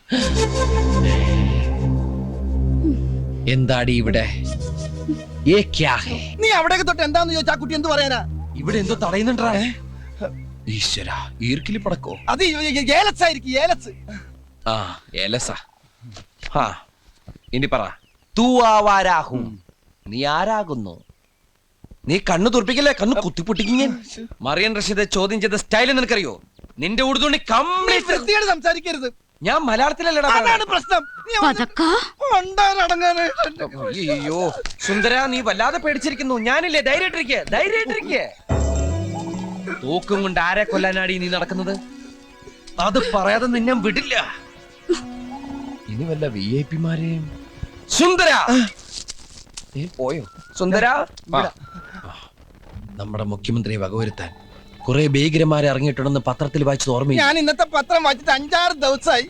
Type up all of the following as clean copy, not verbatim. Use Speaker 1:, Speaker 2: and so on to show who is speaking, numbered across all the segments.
Speaker 1: എന്താടി ഇവിടെ?
Speaker 2: നീ അവിടേക്ക് തൊട്ട് എന്താന്ന് ചോദിച്ചാ കുട്ടി എന്ത് പറയാനാ?
Speaker 1: ഇവിടെ എന്തോ തടയുന്നുണ്ടാ? ഈശ്വര, ഈർക്കിലി പടക്കോ?
Speaker 2: അത് ഏലസ് ആയിരിക്കും, ഏലസ്.
Speaker 1: ആ, ഏലസ. ഇനി പറ, തൂ ആവാരാഹും, നീ ആരാകുന്നു? നീ കണ്ണു തുറപ്പിക്കല്ലേ, കണ്ണു കുത്തിപ്പൊട്ടിക്കും ഞാൻ. മറിയൻ റഷീദ് ചോദ്യം ചെയ്ത സ്റ്റൈൽ നിനക്കറിയോ? നിന്റെ ഉടുതുണി കംപ്ലീറ്റ്
Speaker 2: സംസാരിക്കരുത്.
Speaker 1: ഞാൻ മലയാളത്തിലല്ലടാ.
Speaker 2: അതാണ് പ്രശ്നം.
Speaker 1: അയ്യോ സുന്ദര, നീ വല്ലാതെ പേടിച്ചിരിക്കുന്നു. ഞാനില്ലേ, ധൈര്യമായിട്ടിരിക്കെ, ധൈര്യമായിട്ടിരിക്കെ. തൂക്കും കൊണ്ട് ആരെ കൊല്ലാനാടി നീ നടക്കുന്നത്? അത് പറയാതെ നിന്നെ വിടില്ല. ഇനി വല്ല VIP-മാരെയും. സുന്ദര പോയോ? സുന്ദര, നമ്മുടെ മുഖ്യമന്ത്രിയെ വകവരുത്താൻ കുറെ ഭീകരന്മാരെ ഇറങ്ങിയിട്ടുണ്ടെന്ന് പത്രത്തിൽ വായിച്ചത് ഓർമ്മയില്ല?
Speaker 2: ഞാൻ ഇന്നത്തെ പത്രം വായിച്ചിട്ട് 5-6 ദിവസമായി.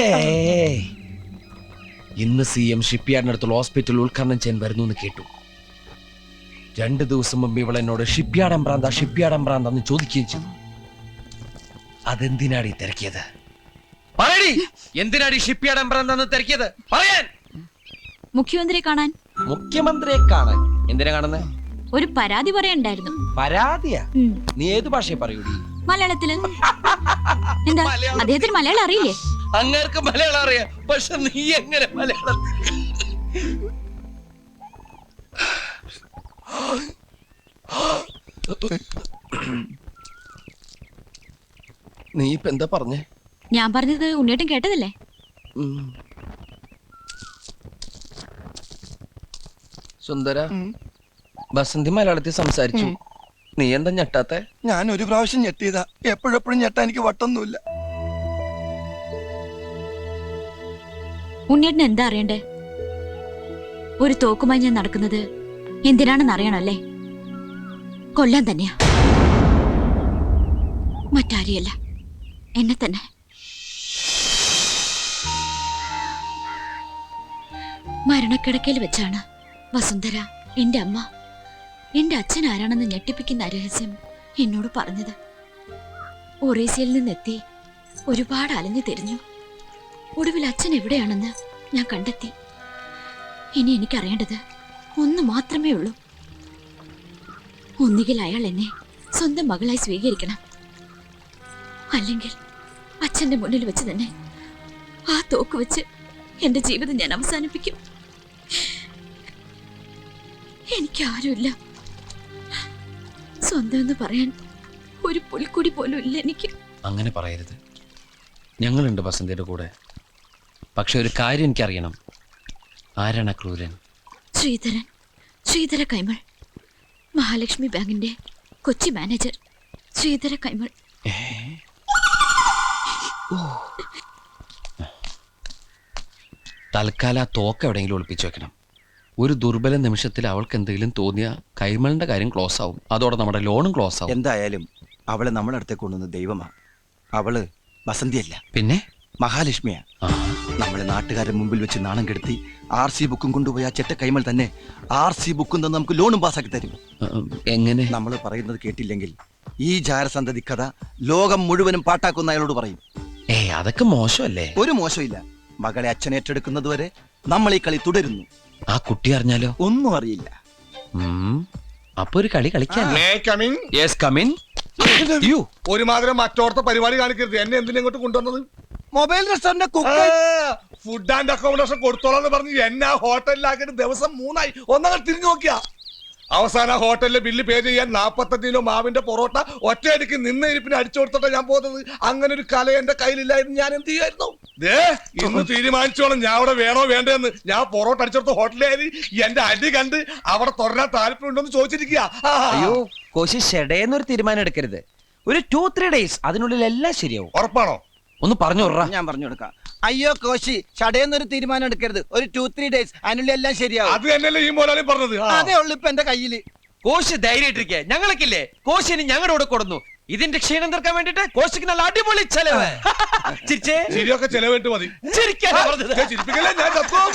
Speaker 1: ഇന്ന് CM ഷിപ്പ്യാർഡിനടുത്തുള്ള ഹോസ്പിറ്റൽ ഉദ്ഘാടനം ചെയ്യാൻ വരുന്നു എന്ന് കേട്ടു. 2 ദിവസം മുമ്പ് ഇവളെന്നോട് ഷിപ്പ്യാർഡ് എംബ്രാന്താന്ന് ചോദിക്കുകയും ചെയ്തു. അതെന്തിനാടി തിരക്കിയത്? പറയടി, എന്തിനാടി ഷിപ്പ്യാർഡ് എംബ്രാന്താന്ന് തിരക്കിയത്? പറയാൻ.
Speaker 3: മുഖ്യമന്ത്രിയെ കാണാൻ.
Speaker 1: മുഖ്യമന്ത്രിയെ കാണാൻ? എന്തിനാ കാണുന്നത്?
Speaker 3: ഒരു പരാതി പറയണ്ടായിരുന്നു.
Speaker 1: പരാതിയാ? നീ ഏത് ഭാഷയെ പറയൂടി?
Speaker 3: മലയാളത്തില്. എന്താ, അദ്ദേഹത്തിന് മലയാളം അറിയില്ലേ?
Speaker 1: അങ്ങേർക്ക് മലയാളം അറിയാം, പക്ഷെ നീ എങ്ങനെ മലയാളം? നീ ഇപ്പൊ എന്താ പറഞ്ഞേ?
Speaker 3: ഞാൻ പറഞ്ഞത് ഉണ്ണിയേട്ടൻ കേട്ടതല്ലേ?
Speaker 1: സുന്ദര, ബസന്തി മലയാളത്തിൽ സംസാരിച്ചു. നീ എന്താ ഞെട്ടാത്തെ?
Speaker 2: ഞാൻ ഒരു പ്രാവശ്യം ഞെട്ടിയതാ, എപ്പോഴെപ്പോഴും ഞെട്ടാ എനിക്ക് വട്ടൊന്നുമില്ല.
Speaker 3: ഉണ്ണിയേട്ടൻ എന്താ അറിയണ്ടേ? ഒരു തോക്കുമായി ഞാൻ നടക്കുന്നത് എന്തിനാണെന്ന് അറിയണല്ലേ? കൊല്ലാൻ തന്നെയാ, മറ്റാരെയല്ല, എന്നെ തന്നെ. മരണക്കിടക്കയിൽ വെച്ചാണ് വസുന്ധര, എന്റെ അമ്മ, എന്റെ അച്ഛൻ ആരാണെന്ന് ഞെട്ടിപ്പിക്കുന്ന രഹസ്യം എന്നോട് പറഞ്ഞത്. ഒറീസയിൽ നിന്നെത്തി ഒരുപാട് അലഞ്ഞു തിരിഞ്ഞു. ഒടുവിൽ അച്ഛൻ എവിടെയാണെന്ന് ഞാൻ കണ്ടെത്തി. ഇനി എനിക്കറിയേണ്ടത് ഒന്ന് മാത്രമേ ഉള്ളൂ. ഒന്നുകിൽ അയാൾ എന്നെ സ്വന്തം മകളായി സ്വീകരിക്കണം, അല്ലെങ്കിൽ അച്ഛന്റെ മുന്നിൽ വെച്ച് തന്നെ ആ തോക്ക് വെച്ച് എന്റെ ജീവിതം ഞാൻ അവസാനിപ്പിക്കും. എനിക്കാരുമില്ല, സ്വന്തം എന്ന് പറയാൻ ഒരു പുൽക്കുടി പോലും ഇല്ല എനിക്ക്.
Speaker 1: അങ്ങനെ പറയരുത്, ഞങ്ങളുണ്ട് ബസന്തിയുടെ കൂടെ. പക്ഷെ ഒരു കാര്യം എനിക്കറിയണം, ആരാണ് ക്രൂരൻ?
Speaker 3: ശ്രീധര കൈമൾ, മഹാലക്ഷ്മി ബാങ്കിന്റെ കൊച്ചി മാനേജർ ശ്രീധര കൈമൾ.
Speaker 1: തൽക്കാലം ആ തോക്ക് എവിടെയെങ്കിലും ഒളിപ്പിച്ചു വെക്കണം. ഒരു ദുർബല നിമിഷത്തിൽ അവൾക്ക് എന്തെങ്കിലും തോന്നിയ കൈമളിന്റെ കാര്യം ക്ലോസ് ആവും, അതോടെ നമ്മുടെ ലോണും ക്ലോസ് ആവും.
Speaker 2: എന്തായാലും അവളെ നമ്മുടെ അടുത്തേക്ക് കൊണ്ടുവന്ന ദൈവമാ. അവള് വസന്തിയല്ല,
Speaker 1: പിന്നെ
Speaker 2: മഹാലക്ഷ്മിയാ. നമ്മളെ നാട്ടുകാരുടെ മുമ്പിൽ വെച്ച് നാണം കെടുത്തി RC ബുക്കും കൊണ്ടുപോയി ആ ചെറ്റ കൈമൾ തന്നെ RC ബുക്കും തന്നെ നമുക്ക് ലോണും പാസ്സാക്കി തരും.
Speaker 1: എങ്ങനെ?
Speaker 2: നമ്മൾ പറയുന്നത് കേട്ടില്ലെങ്കിൽ ഈ ജാരസന്തതി കഥ ലോകം മുഴുവനും പാട്ടാക്കുന്ന അയാളോട് പറയും.
Speaker 1: അതൊക്കെ മോശമല്ലേ?
Speaker 2: ഒരു മോശമില്ല. മകളെ അച്ഛൻ ഏറ്റെടുക്കുന്നത് വരെ നമ്മൾ ഈ കളി തുടരുന്നു.
Speaker 1: ആ കുട്ടി അറിഞ്ഞാലോ?
Speaker 2: ഒന്നും അറിയില്ല.
Speaker 1: അപ്പൊ ഒരു കളി കളിക്കാൻ.
Speaker 4: ഒരുമാതിരി മറ്റോടത്തെ പരിപാടി കാണിക്കരുത്. എന്നെ എന്തിനാ ഇങ്ങോട്ട് കൊണ്ടുവന്നത്?
Speaker 2: Mobile restaurant
Speaker 4: food and accommodation കൊടുത്തോളാന്ന് പറഞ്ഞ് എന്നെ ആ ഹോട്ടലിലാക്കിയിട്ട് ദിവസം 3 ആയി. ഒന്നങ്ങൾ തിരിഞ്ഞു നോക്കിയാ അവസാന ഹോട്ടലിലെ ബില്ല് പേ ചെയ്യാൻ 45 കിലോ മാവിന്റെ പൊറോട്ട ഒറ്റയടിക്ക് നിന്ന ഇരിപ്പിന് അടിച്ചു കൊടുത്തിട്ടാ ഞാൻ പോകുന്നത്. അങ്ങനെ ഒരു കല എന്റെ കയ്യിലില്ലായിരുന്നു, ഞാൻ എന്ത് ചെയ്യായിരുന്നു? ഇന്ന് തീരുമാനിച്ചോളാം ഞാൻ അവിടെ വേണോ വേണ്ടെന്ന്. ഞാൻ പൊറോട്ട അടിച്ചെടുത്ത ഹോട്ടലിൽ എന്റെ അടി കണ്ട് അവിടെ തുടരാൻ താല്പര്യം ഉണ്ടോന്ന് ചോദിച്ചിരിക്കുക.
Speaker 1: അയ്യോ കോശി, ഷെഡേന്നൊരു തീരുമാനം എടുക്കരുത്. ഒരു 2-3 ഡേയ്സ്, അതിനുള്ളിൽ എല്ലാം ശരിയാവും.
Speaker 4: ഉറപ്പാണോ?
Speaker 1: ഒന്ന് പറഞ്ഞു വിടറാ.
Speaker 2: ഞാൻ പറഞ്ഞു കൊടുക്കാം. അയ്യോ കോശി, ചടയെന്നൊരു തീരുമാനം എടുക്കരുത്. ഒരു 2-3 ഡേയ്സ്, അതിനുള്ളിൽ എല്ലാം ശരിയാവും.
Speaker 4: അത് തന്നെയല്ലേ ഈ മോലാലും പറഞ്ഞത്.
Speaker 2: അതേ ഉള്ളു ഇപ്പൊ എന്റെ കയ്യില്.
Speaker 1: കോശി ധൈര്യമായിട്ടിരിക്കെ, ഞങ്ങൾക്കില്ലേ കോശിന് ഞങ്ങളുടെ കൂടെ കൊടുന്നു. ഇതിന്റെ ക്ഷീണം തീർക്കാൻ വേണ്ടിട്ട് കോശിക്ക് നല്ല അടിപൊളി ചെലവ്.
Speaker 4: ശരിയൊക്കെ ചെലവിട്ട് മതി. ചിരിപ്പിക്കല്ലേ, ഞാൻ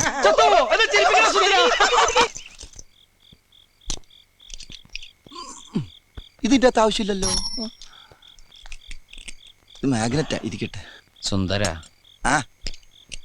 Speaker 2: ഇതിന്റെ അകത്ത് ആവശ്യമില്ലല്ലോ. ഇത് മാഗ്നറ്റാ, ഇരിക്കട്ടെ.
Speaker 1: സുന്ദര,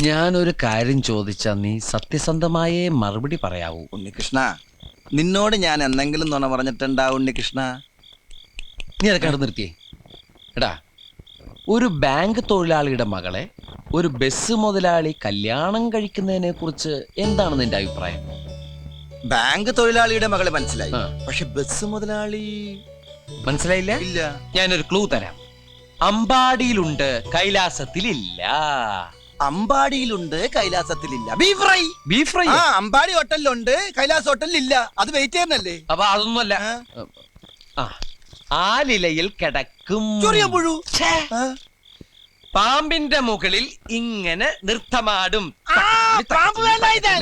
Speaker 1: ഞാനൊരു കാര്യം ചോദിച്ചാ നീ സത്യസന്ധമായേ മറുപടി പറയാവൂ.
Speaker 2: ഉണ്ണികൃഷ്ണ, നിന്നോട് ഞാൻ എന്തെങ്കിലും നുണ പറഞ്ഞിട്ടുണ്ടാ ഉണ്ണികൃഷ്ണ?
Speaker 1: നീ അതൊക്കെ അവിടെ നിർത്തിയേ. എടാ, ഒരു ബാങ്ക് തൊഴിലാളിയുടെ മകളെ ഒരു ബസ് മുതലാളി കല്യാണം കഴിക്കുന്നതിനെ കുറിച്ച് എന്താണ് നിന്റെ അഭിപ്രായം?
Speaker 2: ബാങ്ക് തൊഴിലാളിയുടെ മകളെ മനസ്സിലായി,
Speaker 1: ആ.
Speaker 2: പക്ഷെ ബസ് മുതലാളി
Speaker 1: മനസ്സിലായില്ല?
Speaker 2: ഇല്ല.
Speaker 1: ഞാനൊരു ക്ലൂ തരാം. അമ്പാടിയിലുണ്ട്, കൈലാസത്തിലില്ല.
Speaker 2: അമ്പാടിയിലുണ്ട്, കൈലാസത്തിലില്ല. Beef fry.
Speaker 1: Beef fry.
Speaker 2: ആ, അമ്പാടി ഹോട്ടലിലുണ്ട്, കൈലാസ് ഹോട്ടലിലില്ല. അത് വെയിറ്റ് ചെയ്യുന്നല്ലേ?
Speaker 1: അപ്പൊ അതൊന്നുമല്ല. ആ, ആലിലയിൽ കിടക്കും
Speaker 2: ചൊറിയ പുഴു. ആ.
Speaker 1: പാമ്പിന്റെ മുകളിൽ ഇങ്ങനെ നൃത്തമാടും.
Speaker 2: പാമ്പ് വേണ്ട ഇത്.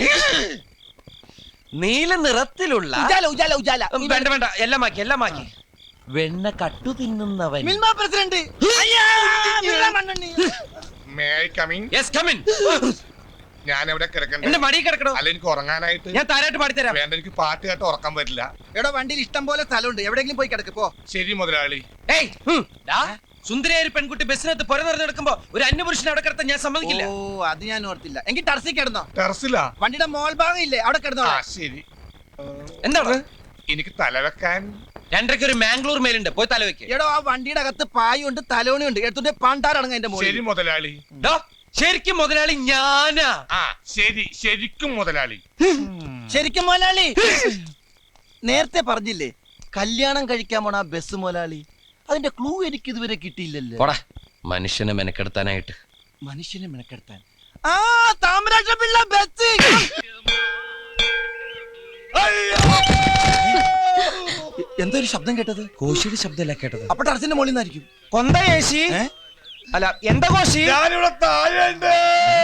Speaker 1: നീല നിറത്തിലുള്ള
Speaker 2: ഉജാല, ഉജാല, ഉജാല.
Speaker 1: വേണ്ട വേണ്ട, എല്ലാം മാക്കി. വെണ്ണ കട്ടു തിന്നുന്നവൻ.
Speaker 2: മിൽമ പ്രസിഡന്റ്. അയ്യാ, Milma മണ്ണെണ്ണി.
Speaker 4: May I come in?
Speaker 1: Yes, come in.
Speaker 4: ഞാൻ എവിടെ കിടക്കണ്ടേ?
Speaker 1: എന്റെ മടി കിടക്കണോ?
Speaker 4: അല്ല, എനിക്ക് ഉറങ്ങാനായിട്ട്.
Speaker 1: ഞാൻ താരായിട്ട് പാടിത്തരാം.
Speaker 4: വേണ്ട, എനിക്ക് പാട്ട് കേട്ട് ഉറക്കാൻ പറ്റില്ല.
Speaker 2: എടോ, വണ്ടിയിൽ ഇഷ്ടം പോലെ സ്ഥലമുണ്ട്, എവിടെയെങ്കിലും പോയി കിടക്ക് പോ.
Speaker 4: ശരി മുതലാളി.
Speaker 1: ഏയ്, ഡാ, സുന്ദരിയായ ഒരു പെൺകുട്ടി ബസ്സിനകത്ത് പുര നിറഞ്ഞു നടക്കുമ്പോ ഒരു അന്യപുരുഷനെ അവിടെ കിടത്താൻ ഞാൻ സമ്മതിക്കില്ല.
Speaker 2: ഓ, അത് ഞാൻ ഓർത്തില്ല. എങ്കിൽ ടർസി കിടന്നോ.
Speaker 4: ടെറസിലാ?
Speaker 2: വണ്ടിയുടെ മോൾ ഭാഗം ഇല്ലേ, അവിടെ കിടന്നോ.
Speaker 4: ആ, ശരി.
Speaker 1: എന്താണ്?
Speaker 4: എനിക്ക് തലവെക്കാൻ.
Speaker 1: രണ്ടരയ്ക്ക് ഒരു മാംഗ്ലൂർ മേലുണ്ട്, പോയി തല വെക്ക്.
Speaker 2: എടോ, ആ വണ്ടിയുടെ അകത്ത് പായുണ്ട്, തലോണിയുണ്ട്, എടുത്തിട്ട് പാണ്ടാറടങ്ങ എന്റെ മോളിൽ.
Speaker 4: ശരി മുതലാളി.
Speaker 1: ഡാ, ശരിക്കും മുതലാളി ഞാനാ.
Speaker 4: ആ, ശരി, ശരിക്കും മുതലാളി.
Speaker 2: ശരിക്കും മോലാളി. നേരത്തെ പറഞ്ഞില്ലേ കല്യാണം കഴിക്കാൻ പോണ ആ ബസ് മോലാളി? അതിന്റെ ക്ലൂ എനിക്ക് ഇതുവരെ കിട്ടിയില്ലല്ലോ.
Speaker 1: പോടാ, മനുഷ്യനെ മെനക്കെടുത്താനായിട്ട്.
Speaker 2: മനുഷ്യനെ മെനക്കെടുത്താൻ. ആ, താമരാക്ഷ പിള്ള ബസ്. എന്തോ ഒരു ശബ്ദം കേട്ടത്?
Speaker 1: കോശിയുടെ ശബ്ദമല്ല കേട്ടത്.
Speaker 2: അപ്പൊ ടർസിന്റെ മോളിൽ നിന്നായിരിക്കും.
Speaker 1: കൊന്ത കോശി. അല്ല, എന്താ കോശി?
Speaker 4: ഞാനിവിടെ താഴെയുണ്ട്.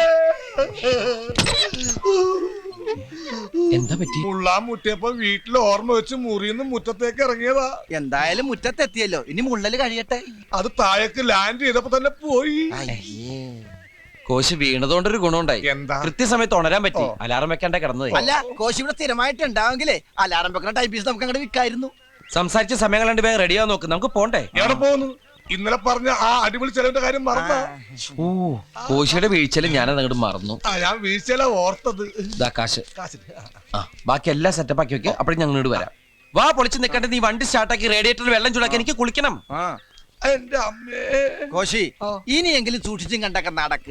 Speaker 1: എന്താ പറ്റി?
Speaker 4: മുള്ളാൻ മുട്ടിയപ്പോ വീട്ടിൽ ഓർമ്മ വെച്ച് മുറിന്ന് മുറ്റത്തേക്ക് ഇറങ്ങിയതാ.
Speaker 2: എന്തായാലും മുറ്റത്തെത്തിയല്ലോ, ഇനി മുള്ളല് കഴിയട്ടെ.
Speaker 4: അത് താഴേക്ക് ലാൻഡ് ചെയ്തപ്പോ തന്നെ പോയി.
Speaker 1: കോശി വീണതുകൊണ്ടൊരു ഗുണമുണ്ടായി.
Speaker 4: എന്താ?
Speaker 1: കൃത്യസമയത്ത് ഉണരാൻ പറ്റി. അലാറം വെക്കാണ്ട കിടന്നത്.
Speaker 2: അല്ല, കോശി ഇവിടെ സ്ഥിരമായിട്ട് ഉണ്ടാവെങ്കിലേ അലാറം വെക്കുന്ന ടൈപ്പീസ് നമുക്ക് അങ്ങോട്ട് വിൽക്കായിരുന്നു.
Speaker 1: സംസാരിച്ച സമയം കണ്ട് വേഗം റെഡിയാവാൻ നോക്ക്, നമുക്ക് പോണ്ടേ?
Speaker 4: എവിടെ പോകുന്നു? ഇന്നലെ പറഞ്ഞ ആ അടിപൊളി ചെലവിന്റെ കാര്യം മറന്ന.
Speaker 1: ഓ, കോശിയുടെ വീഴ്ചയില് ഞാനത് അങ്ങോട്ട് മറന്നു.
Speaker 4: ഞാൻ വീഴ്ചയില ഓർത്തത്.
Speaker 1: ഇതാ കാശ്. ആ, ബാക്കി എല്ലാം സെറ്റപ്പ് ആക്കി വെക്ക്. അപ്പോഴും ഞങ്ങൾ ഇങ്ങോട്ട് വരാം. വാ, പൊളിച്ച് നിൽക്കണ്ട. നീ വണ്ടി സ്റ്റാർട്ടാക്കി റേഡിയേറ്ററിൽ വെള്ളം ചൂടാക്കി എനിക്ക് കുളിക്കണം.
Speaker 4: എന്റെ അമ്മേ.
Speaker 2: കോശി, ഇനിയെങ്കിലും സൂക്ഷിച്ചും കണ്ടൊക്കെ നടക്ക്.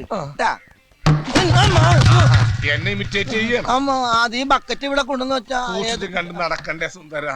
Speaker 4: എന്നെ ഇമിറ്റേറ്റ് ചെയ്യണം.
Speaker 2: അമ്മ, അത് ഈ ബക്കറ്റ് ഇവിടെ കൊണ്ടുവന്ന് വെച്ചാ
Speaker 4: സൂക്ഷിച്ചും കണ്ട് നടക്കണ്ടേ സുന്ദര.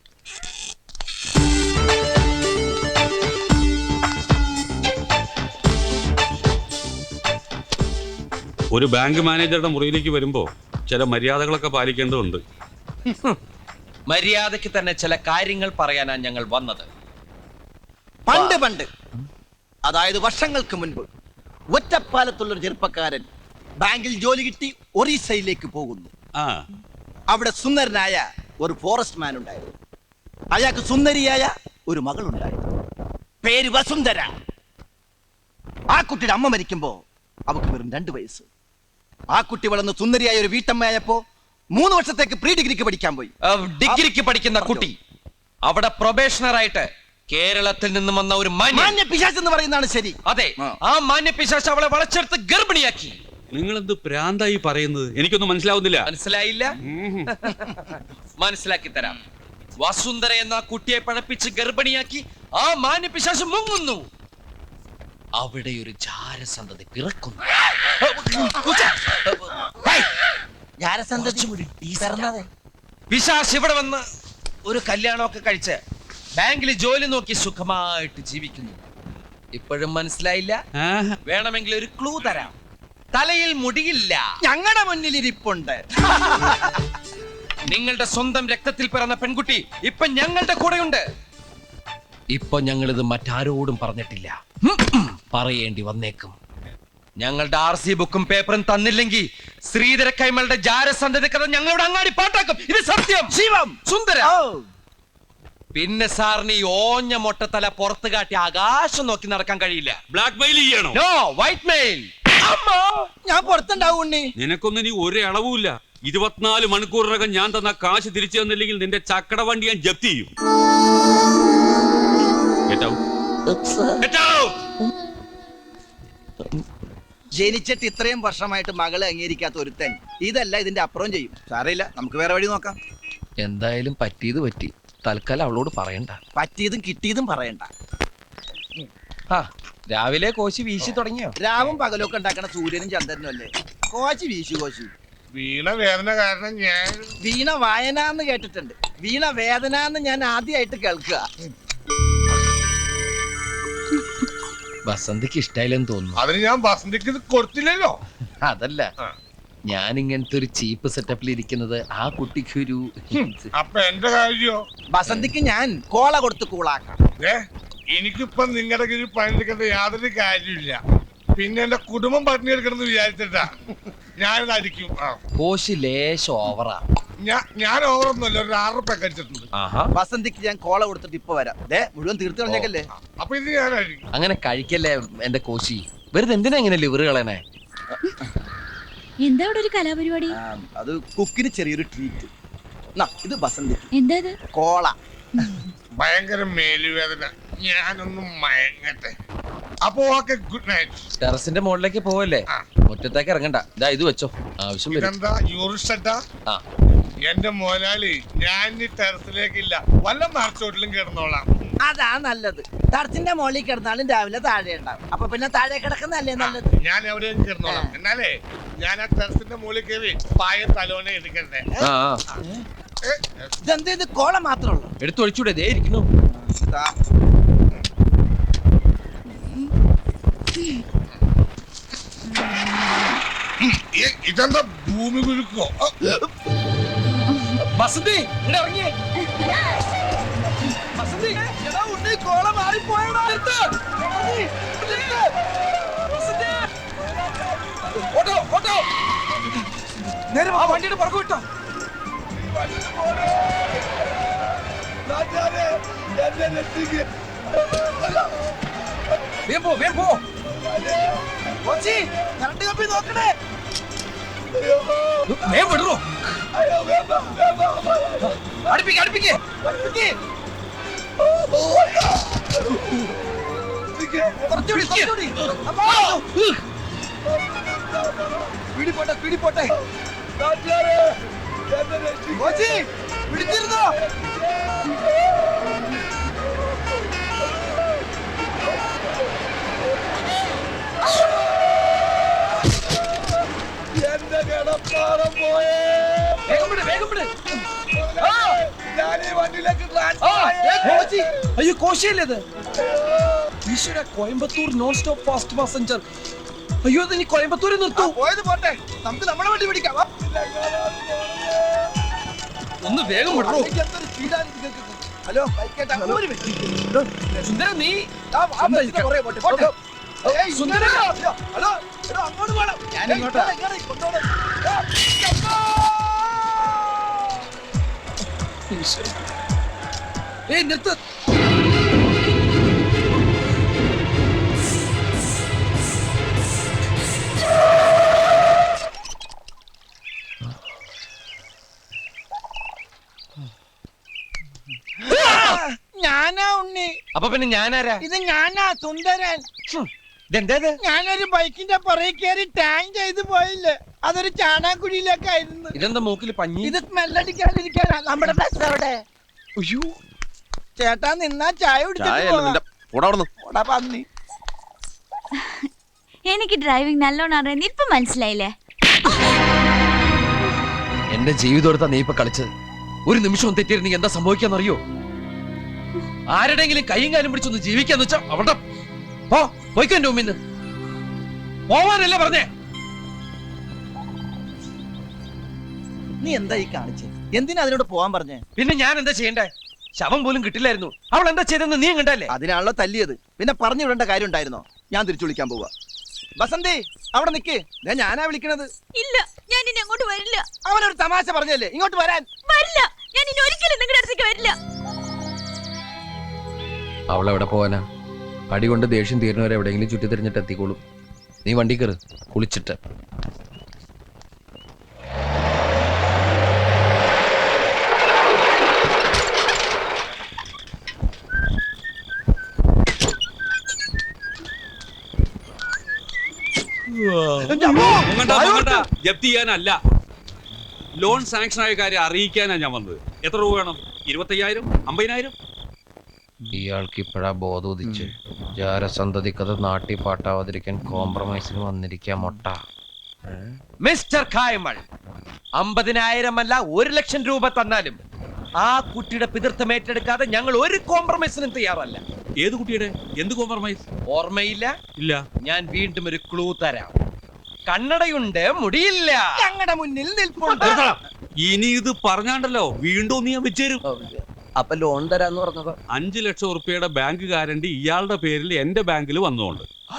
Speaker 5: ഒരു ബാങ്ക് മാനേജറുടെ മുറിയിലേക്ക് വരുമ്പോ ചില മര്യാദകളൊക്കെ പാലിക്കേണ്ടതുണ്ട്.
Speaker 1: മര്യാദയ്ക്ക് തന്നെ ചില കാര്യങ്ങൾ പറയാനാണ് ഞങ്ങൾ വന്നത്.
Speaker 2: പണ്ട് അതായത് വർഷങ്ങൾക്ക് മുൻപ് ഒറ്റപ്പാലത്തുള്ളൊരു ചെറുപ്പക്കാരൻ ബാങ്കിൽ ജോലി കിട്ടി ഒറീസയിലേക്ക് പോകുന്നു.
Speaker 5: ആ,
Speaker 2: അവിടെ സുന്ദരനായ ഒരു ഫോറസ്റ്റ് മാൻ ഉണ്ടായിരുന്നു. അയാൾക്ക് സുന്ദരിയായ ഒരു മകളുണ്ടായിരുന്നു. പേര് വസുന്ധര. ആ കുട്ടിയുടെ അമ്മ മരിക്കുമ്പോ അവക്ക് വെറും 2 വയസ്സ്. ആ കുട്ടി വളർന്ന് സുന്ദരിയായ ഒരു വീട്ടമ്മയായപ്പോ 3 വർഷത്തേക്ക് പ്രീ ഡിഗ്രിക്ക് പഠിക്കാൻ പോയി.
Speaker 1: ഡിഗ്രിക്ക് പഠിക്കുന്ന കുട്ടി അവിടെ പ്രൊബേഷണർ ആയിട്ട് കേരളത്തിൽ നിന്നും വന്ന ഒരു
Speaker 2: മാന്യ പിശാച് എന്ന് പറയുന്നതാണ് ശരി.
Speaker 1: അതെ, ആ മാന്യ പിശാച് അവളെ വളച്ചെടുത്ത് ഗർഭിണിയാക്കി.
Speaker 5: നിങ്ങളെന്ത് പ്രാന്തായി പറയുന്നത്? എനിക്കൊന്നും മനസ്സിലാവുന്നില്ല.
Speaker 1: മനസ്സിലായില്ല? മനസ്സിലാക്കി തരാം. വസുന്ധര എന്ന കുട്ടിയെ പഴപ്പിച്ച് ഗർഭിണിയാക്കി ആ മാന്യ പിശാച് മുങ്ങുന്നു. അവിടെ ഒരു ജാരസന്തതി പിറക്കുന്നു. പിശാച് ഇവിടെ വന്ന് ഒരു കല്യാണമൊക്കെ കഴിച്ച് ബാങ്കിൽ ജോലി നോക്കി സുഖമായിട്ട് ജീവിക്കുന്നു. ഇപ്പോഴും മനസ്സിലായില്ല? വേണമെങ്കിൽ ഒരു ക്ലൂ തരാം. തലയിൽ മുടിയില്ല.
Speaker 2: ഞങ്ങളുടെ മുന്നിൽ ഇരിപ്പുണ്ട്.
Speaker 1: നിങ്ങളുടെ സ്വന്തം രക്തത്തിൽ പിറന്ന പെൺകുട്ടി ഇപ്പൊ ഞങ്ങളുടെ കൂടെയുണ്ട്. ഇപ്പൊ ഞങ്ങളിത് മറ്റാരോടും പറഞ്ഞിട്ടില്ല. പറയേണ്ടി വന്നേക്കും. ഞങ്ങളുടെ RC ബുക്കും പേപ്പറും തന്നില്ലെങ്കിൽ ശ്രീധര കൈമളുടെ ജാരസന്ധതി കഥ ഞങ്ങളുടെ അങ്ങാടി പാട്ടാക്കും. ഇത് സത്യം.
Speaker 2: ശിവം
Speaker 1: സുന്ദര. പിന്നെ സാറിന് ഈ ഓഞ്ഞ മൊട്ടത്തല പുറത്ത് കാട്ടി ആകാശം നോക്കി നടക്കാൻ കഴിയില്ല.
Speaker 5: ബ്ലാക്ക് മെയിൽ ചെയ്യണോ?
Speaker 1: No, white mail.
Speaker 2: ഞാൻ പുറത്തുണ്ടാവും ഉണ്ണി.
Speaker 5: നിനക്കൊന്നും ഇനി ഒരു അളവുമില്ല. 24 മണിക്കൂറിനകം ഞാൻ തന്ന കാശ് തിരിച്ചു തന്നില്ലെങ്കിൽ നിന്റെ ചക്കട വണ്ടി ഞാൻ ജപ്തി ചെയ്യും.
Speaker 2: ജനിച്ചിട്ട് ഇത്രയും വർഷമായിട്ട് മകളെ അംഗീകരിക്കാത്ത ഒരുത്തൻ ഇതല്ല ഇതിന്റെ അപ്പുറം ചെയ്യും. സാരമില്ല, നമുക്ക് വേറെ വഴി നോക്കാം.
Speaker 1: എന്തായാലും പറ്റിയത് പറ്റി. തൽക്കാലം അവളോട് പറയണ്ട.
Speaker 2: പറ്റിയതും കിട്ടിയതും പറയണ്ട.
Speaker 1: ആ രാവിലെ കോശി വീശി തുടങ്ങിയോ?
Speaker 2: രാവും പകലൊക്കെ ഉണ്ടാക്കണ സൂര്യനും ചന്ദ്രനും അല്ലേ. കോശി വീശു കോശി.
Speaker 4: വീണ വേദന കാരണം ഞാൻ
Speaker 2: വീണ വായന എന്ന് കേട്ടിട്ടുണ്ട്, വീണ വേദന എന്ന് ഞാൻ ആദ്യമായിട്ട് കേൾക്കുക.
Speaker 1: വസന്തിക്ക് ഇഷ്ടായില്ലെന്ന് തോന്നുന്നു.
Speaker 4: അതിന് ഞാൻ വസന്തിക്ക് ഇത് കൊടുത്തില്ലല്ലോ.
Speaker 1: അതല്ല, ഞാൻ ഇങ്ങനത്തെ ഒരു ചീപ്പ് സെറ്റപ്പിൽ ഇരിക്കുന്നത് ആ കുട്ടിക്കൊരു
Speaker 4: അപ്പൊ എന്റെ കാര്യോ?
Speaker 2: വസന്തിക്ക് ഞാൻ കോള കൊടുത്ത് കൂളാക്കാം.
Speaker 4: എനിക്കിപ്പൊ നിങ്ങളുടെ കീഴിൽ പണിയെടുക്കേണ്ട യാതൊരു കാര്യമില്ല. പിന്നെ എന്റെ കുടുംബം പട്ടിണി എടുക്കണമെന്ന് വിചാരിച്ചിട്ടാ ഞാനിത് അടിക്കും.
Speaker 1: കോശി ലേശം ഓവറാ.
Speaker 4: ഞാൻ ഓവറൊന്നുമല്ല, ഒരു 6 റുപ്യ കഴിച്ചിട്ടുണ്ട്.
Speaker 2: വസന്തിക്ക് ഞാൻ കോള കൊടുത്തിട്ട് ഇപ്പൊ വരാം. മുഴുവൻ തീർത്ത് കളഞ്ഞേക്കല്ലേ.
Speaker 4: അപ്പൊ ഇത് ഞാൻ അടിക്കും.
Speaker 1: അങ്ങനെ കഴിക്കല്ലേ എന്റെ കോശി. വെറുതെ എന്തിനാ ഇങ്ങനെ ലിവർ കളയണേ?
Speaker 3: എന്താ ഇവിടെ ഒരു കലാപരിപാടി?
Speaker 2: അത് കുക്കിന് ചെറിയൊരു ട്രീറ്റ്. ഇത് വസന്തിക്ക്
Speaker 3: എന്താ ഇത്?
Speaker 2: കോള.
Speaker 4: ഭയങ്കര മേലുവേദന, ഞാനൊന്നും മയങ്ങട്ടെ. അപ്പൊ ഓക്കെ, ഗുഡ് നൈറ്റ്.
Speaker 1: ടെറസിന്റെ മുകളിലേക്ക് പോവല്ലേ, മുറ്റത്തേക്ക് ഇറങ്ങണ്ട. ഇതാ ഇത് വെച്ചോ, ആവശ്യം വരും.
Speaker 4: ഇതെന്താ യൂറിസ്റ്റ?
Speaker 1: ആ
Speaker 4: എന്റെ മോലാളി, ഞാൻ ഈ ടെറസിലേക്കില്ല, വല്ല മറച്ചോട്ടിലും കിടന്നോളാം.
Speaker 2: അതാ നല്ലത്. ടർച്ചിന്റെ മുകളിൽ കിടന്നാലും രാവിലെ താഴെ ഉണ്ടാവും. അപ്പൊ പിന്നെ താഴെ കിടക്കുന്നല്ലേ നല്ലത്.
Speaker 4: ഞാൻ എവിടെയും കിടന്നോളാം. എന്നാലേ ഞാൻ ആ ടെറസിന്റെ മുകളിൽ കയറി പായ തലോനെ എടുക്കണ്ടേ.
Speaker 2: ഇതെന്ത്, ഇത് കോള മാത്രമേ ഉള്ളൂ?
Speaker 1: എടുത്തൊഴിച്ചൂടെ, ദേ ഇരിക്കുന്നു.
Speaker 4: ഇതെന്താ ഭൂമി കുലുക്കോ?
Speaker 1: വസന്തി ഇവിടെ ഇറങ്ങിയേ. വസന്തി, എടാ ഉണ്ണി, കോള മാറിപ്പോയടാ. ഓട്ടോ ഓട്ടോ, നേരെ ആ വണ്ടിയുടെ പുറകു വിട്ടോ. വേഗം പോ, വേഗം പോ.
Speaker 2: കോച്ചി, കറണ്ട് കമ്പി നോക്കണേ.
Speaker 1: വേഗം വിടറോ. അടുപ്പിക്ക് അടുപ്പിക്ക്.
Speaker 2: കുറച്ചുകൂടി, കുറച്ചുകൂടി. പിടിപോട്ടെ, പിടിപോട്ടെ. കോച്ചി, പിടിച്ചിരുന്നോ? എന്റെ കിടപ്പാടം പോയേ.
Speaker 1: വേഗം വിട്, വേഗം വിട്.
Speaker 2: ഞാൻ ഈ വണ്ടിയിലേക്ക്
Speaker 1: അയ്യോ, കോശിയല്ലേ ഇത്? ഈശ്വര, Coimbatore non stop fast passenger. അയ്യോ, ഇത് ഇനി കോയമ്പത്തൂരിൽ നിർത്തൂ.
Speaker 2: പോയത് പോട്ടെ, നമുക്ക് നമ്മളെ വണ്ടി പിടിക്കാം.
Speaker 1: ഒന്ന് വേഗം വിടറോ.
Speaker 2: ഹലോ, ബൈക്കേട്ടാ, ഒരു മിനിറ്റ്.
Speaker 1: സുന്ദര, നീ സുന്ദര.
Speaker 2: ഹലോ, അങ്ങോട്ട് വേണം.
Speaker 1: ഞാൻ ഇങ്ങോട്ടാ. ഏയ്, നിർത്ത്.
Speaker 2: ഞാനാ ഉണ്ണി.
Speaker 1: അപ്പൊ പിന്നെ ഞാനാരാ?
Speaker 2: ഇത് ഞാനാ സുന്ദരൻ.
Speaker 1: ഇതെന്താ?
Speaker 2: ഞാനൊരു ബൈക്കിന്റെ പുറകെ കയറി ടാങ് ചെയ്ത് പോയില്ലേ, അതൊരു ചാണാക്കുഴിയിലേക്കായിരുന്നു.
Speaker 1: ഇതെന്താ മൂക്കിൽ പഞ്ഞി?
Speaker 2: ഇത് സ്മെല്ലടിക്കാതിരിക്കാനാ. നമ്മുടെ ബസ് അവിടെ.
Speaker 1: അയ്യോ,
Speaker 2: ചേട്ടാ നിന്നാ ചായ കുടിച്ചിട്ട് പന്നി.
Speaker 3: എനിക്ക് ഡ്രൈവിംഗ് നല്ലോണം അറിയാൻ ഇപ്പൊ മനസ്സിലായില്ലേ?
Speaker 1: എന്റെ ജീവിതം എടുത്താ നീ ഇപ്പൊ കളിച്ചത്. ഒരു നിമിഷം തെറ്റിയിരുന്നെങ്കിൽ എന്താ സംഭവിക്കാന്നറിയോ? ആരുടെങ്കിലും കൈയും കാലും പിടിച്ചൊന്ന് ജീവിക്കാന്ന് വെച്ചാ അവിടെ പോയിക്കോ. എന്റെ മുമ്പിന്ന് പോവാനല്ലേ പറഞ്ഞേ?
Speaker 2: നീ എന്താ ഈ കാണിച്ചേ? എന്തിനാ അതിനോട് പോവാൻ പറഞ്ഞേ?
Speaker 1: പിന്നെ ഞാൻ എന്താ ചെയ്യണ്ടേ? ശവം പോലും കിട്ടില്ലായിരുന്നു. അവൾ എന്താ ചെയ്തെന്ന് നീ കണ്ടല്ലേ?
Speaker 2: അതിനാണല്ലോ തല്ലിയത്. പിന്നെ പറഞ്ഞു വിടേണ്ട കാര്യം ഉണ്ടായിരുന്നോ? ഞാൻ തിരിച്ചു വിളിക്കാൻ പോവാ. ബസന്തി, അവിടെ നിക്ക്. ഞാനാ വിളിക്കണത്.
Speaker 3: ഇല്ല, ഞാൻ ഇനി അങ്ങോട്ട് വരില്ല.
Speaker 2: അവനൊരു തമാശ പറഞ്ഞല്ലേ, ഇങ്ങോട്ട് വരാൻ.
Speaker 3: വരില്ല, ഞാൻ ഇനി ഒരിക്കലും നിങ്ങളുടെ അടുത്തേക്ക് വരില്ല.
Speaker 1: അവൾ എവിടെ പോവാനാ? അടി കൊണ്ട് ദേഷ്യം തീരുന്നവരെ എവിടെയെങ്കിലും ചുറ്റി തിരിഞ്ഞിട്ട് എത്തിക്കോളും. നീ വണ്ടി കയറ്, കുളിച്ചിട്ട്.
Speaker 5: ജപ്തി ചെയ്യാനല്ല, ലോൺ സാങ്ഷൻ ആയ കാര്യം അറിയിക്കാനാ ഞാൻ വന്നത്. എത്ര രൂപ വേണം? 25,000, 50,000?
Speaker 1: ഇയാൾക്ക് ഇപ്പോഴാ ബോധം ഉദിച്ച് ജാരസന്തതിക്കത് നാട്ടി പാട്ടാവാതിരിക്കാൻ കോംപ്രമൈസിന് വന്നിരിക്കാം മൊട്ട. മിസ്റ്റർ കായ്മൾ, 50,000 അല്ല 1,00,000 രൂപ തന്നാലും ആ കുട്ടിയുടെ പിതൃത്വം ഏറ്റെടുക്കാതെ ഞങ്ങൾ ഒരു കോംപ്രമൈസിനും തയ്യാറല്ല.
Speaker 5: ഏത് കുട്ടിയുടെ? എന്ത് കോംപ്രമൈസ്?
Speaker 1: ഓർമ്മയില്ല?
Speaker 5: ഇല്ല.
Speaker 1: ഞാൻ വീണ്ടും ഒരു ക്ലൂ തരാം. കണ്ണടയുണ്ട്, മുടിയില്ല,
Speaker 2: ഞങ്ങളുടെ മുന്നിൽ നിൽപ്പുണ്ട്.
Speaker 5: ഇനി ഇത് പറഞ്ഞാണ്ടല്ലോ വീണ്ടും നീ വെച്ചേരും.
Speaker 1: അപ്പൊ ലോൺ തരാന്ന് പറഞ്ഞത്
Speaker 5: 5 ലക്ഷം ഉറുപ്പിയുടെ ബാങ്ക് ഗ്യാരണ്ടി ഇയാളുടെ പേരിൽ എന്റെ ബാങ്കിൽ വന്നുകൊണ്ട്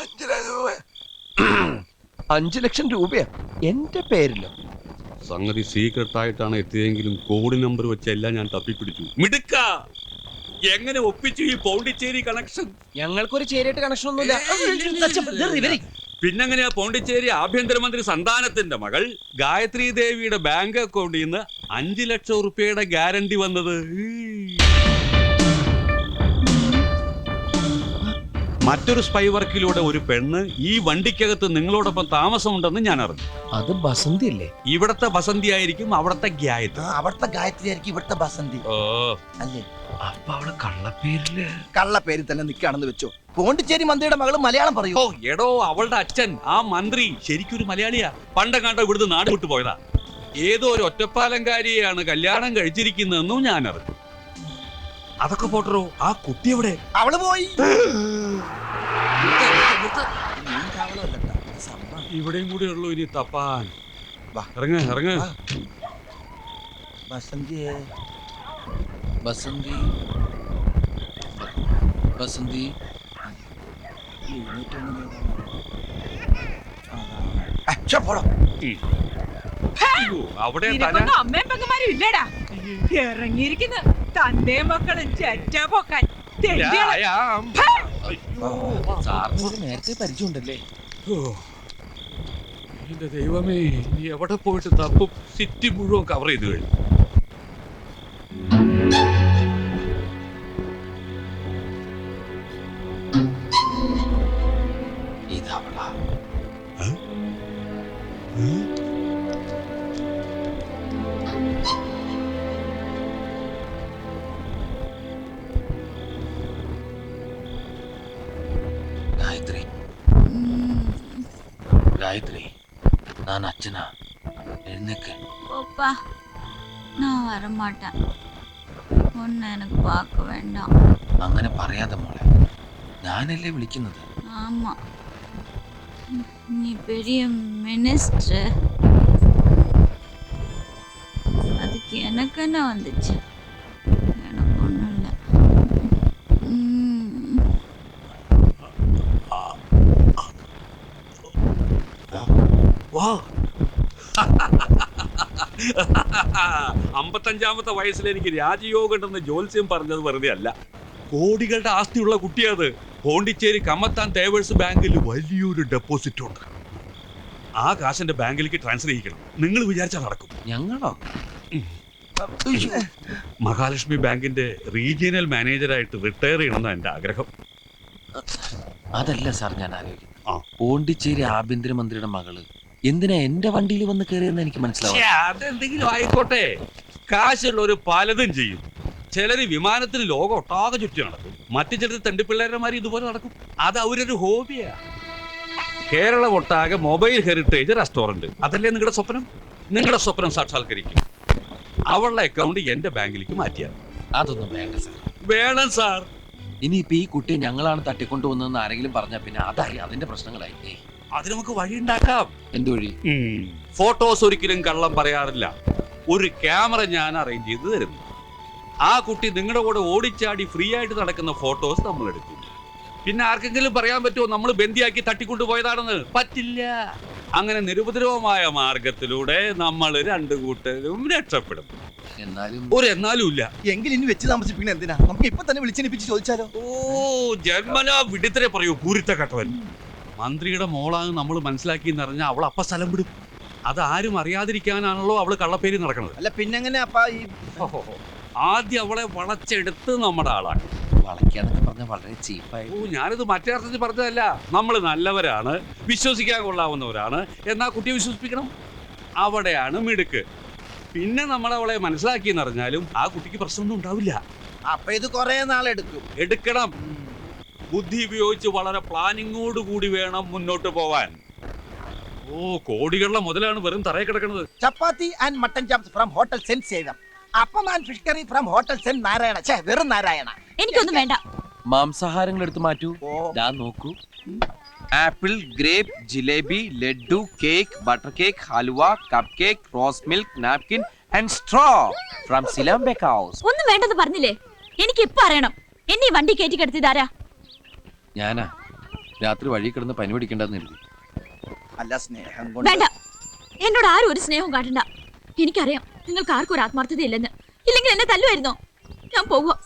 Speaker 1: 5 ലക്ഷം രൂപയാ എന്റെ പേരിലോ?
Speaker 5: സംഗതി സീക്രട്ട് ആയിട്ടാണ് എത്തിയതെങ്കിലും കോഡ് നമ്പർ വെച്ചെല്ലാം ഞാൻ തപ്പിപ്പിടിച്ചു. മിടുക്ക, എങ്ങനെ ഒപ്പിച്ചു ഈ പോണ്ടിച്ചേരി കണക്ഷൻ?
Speaker 1: ഞങ്ങൾക്കൊരു ചേരിയായിട്ട് കണക്ഷൻ ഒന്നുമില്ല.
Speaker 5: പിന്നെങ്ങനെയാ പോണ്ടിച്ചേരി ആഭ്യന്തരമന്ത്രി സന്താനത്തിന്റെ മകൾ ഗായത്രി ദേവിയുടെ ബാങ്ക് അക്കൗണ്ടിൽ നിന്ന് 5 ലക്ഷം ഉറുപ്പിയുടെ ഗ്യാരണ്ടി വന്നത്? മറ്റൊരു സ്പൈ വർക്കിലൂടെ ഒരു പെണ്ണ് ഈ വണ്ടിക്കകത്ത് നിങ്ങളോടൊപ്പം താമസമുണ്ടെന്ന് ഞാൻ അറിഞ്ഞു.
Speaker 1: അത് ബസന്തി അല്ലേ?
Speaker 5: ഇവിടത്തെ ബസന്തി ആയിരിക്കും അവിടത്തെ ഗായത്രി.
Speaker 2: അവിടുത്തെ ഗായത്രി ആയിരിക്കും ഇവിടുത്തെ ബസന്തി
Speaker 5: ഓ,
Speaker 2: അല്ലേ?
Speaker 1: അപ്പൊ അവള് കള്ളപ്പേരില്
Speaker 2: കള്ള പേരിൽ തന്നെ നിൽക്കുകയാണെന്ന് വെച്ചോ. പോണ്ടിച്ചേരി മന്ത്രിയുടെ മകള് മലയാളം പറയൂ.
Speaker 5: ഓ എടോ, അവളുടെ അച്ഛൻ ആ മന്ത്രി ശരിക്കൊരു മലയാളിയാ. പണ്ടെങ്ങാണ്ടോ ഇവിടുന്ന് നാട് വിട്ടു പോയതാ. ഏതോ ഒരു ഒറ്റപ്പാലംകാരിയെയാണ് കല്യാണം കഴിച്ചിരിക്കുന്നതെന്നും ഞാൻ അറിഞ്ഞു. അതൊക്കെ പോട്ടറോ, ആ കുട്ടി എവിടെ?
Speaker 2: അവള് പോയി.
Speaker 5: ഇവിടെയും കൂടെ ഉള്ളൂ ഇനി തപ്പാൻ.
Speaker 2: വാ.
Speaker 5: ഇറങ്ങ ഇറങ്ങ.
Speaker 2: ബസന്തിയെ
Speaker 1: ബസന്തി ബസന്തി
Speaker 5: അവിടെ
Speaker 6: നിനക്കൊന്നും അമ്മയും പെങ്ങന്മാരും ഇല്ലടാ. ഇറങ്ങിയിരിക്കുന്ന തന്റെ മക്കളും ചെറ്റാ പോക്കാൻ തെണ്ടികള്.
Speaker 1: സാറിന് നേരത്തെ പരിചയമുണ്ടല്ലേ?
Speaker 5: എന്റെ ദൈവമേ, എവിടെ പോയിട്ട് തപ്പും? സിറ്റി മുഴുവൻ കവർ ചെയ്ത് കഴിഞ്ഞു.
Speaker 1: ഇതവളാ. காயத்ரி காயத்ரி, நான் அச்சனா, எழுந்துக்க.
Speaker 3: போப்பா, நான் வரமாட்டேன். ஒன்னு எனக்கு பார்க்க வேண்டாம்.
Speaker 1: അങ്ങനെ പറയാതെ മോളെ, ഞാനല്ലേ വിളിക്കുന്നത്.
Speaker 3: ஆமா, நீ பெரிய மினிஸ்டர். அதுக்கு எனக்கு என்ன வந்துச்சு? எனக்கு ஒன்றும் இல்லை.
Speaker 5: വാ. 55-ാമത്തെ വയസ്സിൽ എനിക്ക് രാജയോഗം ഉണ്ടെന്ന് ജോത്സ്യം പറഞ്ഞത് വെറുതെ അല്ല. കോടികളുടെ ആസ്തിയുള്ള കുട്ടിയത്. പോണ്ടിച്ചേരി കമ്മത്താൻ തേവേഴ്സ് ബാങ്കിൽ വലിയൊരു ഡെപ്പോസിറ്റ് ഉണ്ട്. ആ കാശിന്റെ ബാങ്കിലേക്ക് ട്രാൻസ്ഫർ ചെയ്യിക്കണം. നിങ്ങൾ വിചാരിച്ചാൽ നടക്കും.
Speaker 1: ഞങ്ങളോ?
Speaker 5: മഹാലക്ഷ്മി ബാങ്കിന്റെ റീജിയണൽ മാനേജറായിട്ട് റിട്ടയർ ചെയ്യണമെന്നാണ് എന്റെ ആഗ്രഹം.
Speaker 1: അതല്ല സാർ ഞാൻ ആലോചിക്കുന്നത്.
Speaker 5: ആ.
Speaker 1: പോണ്ടിച്ചേരി ആഭ്യന്തരമന്ത്രിയുടെ മകള് എന്തിനാ എന്റെ വണ്ടിയിൽ വന്ന് കയറിയെന്ന് എനിക്ക് മനസ്സിലാവും.
Speaker 5: അതെന്തെങ്കിലും ആയിക്കോട്ടെ, കാശുള്ളവര് പലതും ചെയ്യും. ചിലര് വിമാനത്തിന് ലോകം ഒട്ടാകെ ചുറ്റി നടക്കും. മറ്റു ചിലർ തെണ്ടിപ്പിള്ളേരന്മാര് ഇതുപോലെ നടക്കും. അത് അവരൊരു ഹോബിയാ. കേരളം ഒട്ടാകെ മൊബൈൽ ഹെറിറ്റേജ് റെസ്റ്റോറന്റ്, അതല്ലേ നിങ്ങളുടെ സ്വപ്നം? നിങ്ങളുടെ സ്വപ്നം സാക്ഷാത്കരിക്കും. അവളുടെ അക്കൗണ്ട് എന്റെ ബാങ്കിലേക്ക് മാറ്റിയാൽ.
Speaker 1: അതൊന്നും വേണ്ട സാർ.
Speaker 5: വേണം സാർ.
Speaker 1: ഇനിയിപ്പോ ഈ കുട്ടിയെ ഞങ്ങളാണ് തട്ടിക്കൊണ്ടുവന്നതെന്ന് ആരെങ്കിലും പറഞ്ഞാൽ പിന്നെ അതായി അതിന്റെ പ്രശ്നങ്ങളായി.
Speaker 5: അത് നമുക്ക് വഴിയുണ്ടാക്കാം.
Speaker 1: എന്ത് വഴി?
Speaker 5: ഫോട്ടോസ് ഒരിക്കലും കള്ളം പറയാറില്ല. ഒരു ക്യാമറ ഞാൻ അറേഞ്ച് ചെയ്ത് തരുന്നു. ആ കുട്ടി നിങ്ങളുടെ കൂടെ ഓടിച്ചാടി ഫ്രീ ആയിട്ട് നടക്കുന്ന ഫോട്ടോസ് നമ്മൾ എടുക്കും. പിന്നെ ആർക്കെങ്കിലും പറയാൻ പറ്റുമോ നമ്മൾ ബന്ദിയാക്കി തട്ടിക്കൊണ്ടുപോയതാണെന്ന്? പറ്റില്ല. അങ്ങനെ നിരുപദ്രവമായ മാർഗത്തിലൂടെ നമ്മൾ രണ്ടു കൂട്ടരും രക്ഷപ്പെടും. എന്നാലും ഇല്ല.
Speaker 2: എങ്കിൽ ഇനി വെച്ച് താമസിപ്പിക്കണ എന്തിനാ? നമുക്ക് ഇപ്പൊ തന്നെ വിളിച്ചെണിപ്പിച്ച് ചോദിച്ചാലോ?
Speaker 5: ഓ, ജന്മനാ വിഡിത്തരെ പറയൂ പൂരിത്ത കട്ടവൻ. മന്ത്രിയുടെ മോളാണ് നമ്മൾ മനസ്സിലാക്കി എന്നറിഞ്ഞാൽ അവൾ അപ്പ സ്ഥലം വിടും. അത് ആരും അറിയാതിരിക്കാനാണല്ലോ അവള് കള്ളപ്പേരി നടക്കുന്നത്.
Speaker 2: അല്ല പിന്നെങ്ങനെ അപ്പാ ഈ
Speaker 5: ആദ്യം അവളെ വളച്ചെടുത്ത് നമ്മുടെ ആളാണ്.
Speaker 1: വളയ്ക്കാന്നൊക്കെ പറഞ്ഞാൽ വളരെ ചീപ്പായി.
Speaker 5: ഓ ഞാനിത് മറ്റേ അർത്ഥത്തിൽ പറഞ്ഞതല്ല. നമ്മൾ നല്ലവരാണ്, വിശ്വസിക്കാൻ കൊള്ളാവുന്നവരാണ് എന്നാ കുട്ടിയെ വിശ്വസിപ്പിക്കണം. അവിടെയാണ് മിടുക്ക്. പിന്നെ നമ്മൾ അവളെ മനസ്സിലാക്കിയെന്ന് അറിഞ്ഞാലും ആ കുട്ടിക്ക് പ്രശ്നമൊന്നും ഉണ്ടാവില്ല.
Speaker 2: അപ്പൊ ഇത് കുറെ നാളെടുക്കും.
Speaker 5: എടുക്കണം. ബുദ്ധി ഉപയോഗിച്ച് വളരെ പ്ലാനിങ്ങോട് കൂടി വേണം മുന്നോട്ട് പോവാൻ. ഓ കോടികളുടെ മുതലാണ് വെറും തറയിൽ കിടക്കുന്നത്.
Speaker 2: Chapati and mutton chops from hotel saint സേവം. Appam and fish curry from hotel saint Narayana. ഛേ, വെറും നാരായണ.
Speaker 3: എനിക്കൊന്നും വേണ്ട.
Speaker 1: മാംസാഹാരങ്ങൾ എടുത്ത് മാറ്റൂ. ദാ നോക്കൂ. Apple, grape, jalebi, laddu, cake, butter cake, halwa, cup cake, rose milk, napkin and straw from Silam bake house.
Speaker 3: ഒന്നും വേണ്ടെന്ന് പറഞ്ഞില്ലേ? എനിക്ക് ഇപ്പൊ അറിയണം. എന്നെ ഈ വണ്ടി കയറ്റി കിടത്തിയതാരാ?
Speaker 1: ഞാനാ രാത്രി വഴി കിടന്ന് പനി പിടിക്കണ്ടെന്ന് കരുതി.
Speaker 2: അല്ല, സ്നേഹം കൊണ്ട്.
Speaker 3: വേണ്ട, എന്നോട് ആരും ഒരു സ്നേഹവും കാട്ടണ്ട. എനിക്കറിയാം നിങ്ങൾക്ക് ആർക്കും ഒരു ആത്മാർത്ഥത ഇല്ലെന്ന്. ഇല്ലെങ്കിൽ എന്നെ തല്ലുമായിരുന്നോ? ഞാൻ പോവുക.